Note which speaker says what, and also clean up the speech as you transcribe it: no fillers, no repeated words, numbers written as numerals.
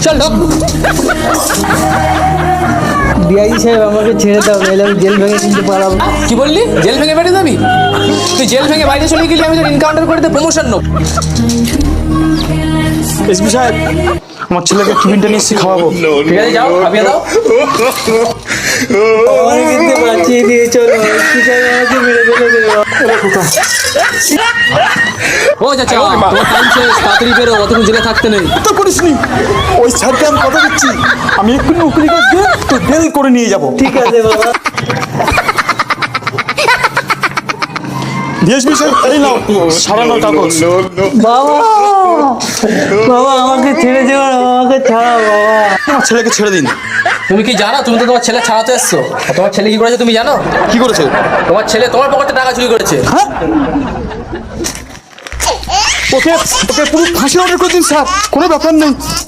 Speaker 1: চলো।
Speaker 2: ডিআইজি সাহেব আমাকে ছেড়ে দাও, নাহলে আমি জেল ভেঙে কিন্তু পালাবো।
Speaker 1: কি বললি? জেল ভেঙে বেরিয়ে যাবি? তুই জেল ভেঙে বাইরে চলে গেলি, আমি তোর এনকাউন্টার করে প্রমোশন নেব।
Speaker 3: এসপি সাহেব, আমার ছেলেকে টিফিনটা নিয়ে এসে খাওয়াবো।
Speaker 1: ঠিক আছে, যাও খাবিয়ে দাও।
Speaker 2: আমাকে কিন্তু বাঁচিয়ে দিয়ে চলো, এসপি সাহেব আমাকে মেরে ফেলে দেবে।
Speaker 1: ও চাচা, তোমার টাইম শেষ, তাড়াতাড়ি বেরো, অতক্ষণ জেলে থাকতে নেই।
Speaker 3: তো করিসনি, ওই স্যারকে আমি কথা দিচ্ছি, আমি এক্ষুনি উকিল কাজ দিয়ে তো বেল করে নিয়ে যাবো।
Speaker 2: ঠিক আছে বাবা।
Speaker 3: ডিএসপি সাহেব, এই নাও সারানোর কাগজ।
Speaker 2: বাবা, বাবা আমাকে ছেড়ে দেবো না, আমাকে ছাড়াও বাবা।
Speaker 3: আমার ছেলেকে ছেড়ে দিন।
Speaker 1: তুমি কি জানো, তুমি তো তোমার ছেলে ছাড়াতে এসছো? আর তোমার ছেলে কি করেছে তুমি জানো?
Speaker 3: কি করেছে?
Speaker 1: তোমার ছেলে তোমার পকেটে টাকা চুরি করেছে।
Speaker 3: হ্যাঁ, ওকে ওকে পুরো ফাঁসি অর্ডার করে দিন স্যার, কোনো ব্যাপার নেই।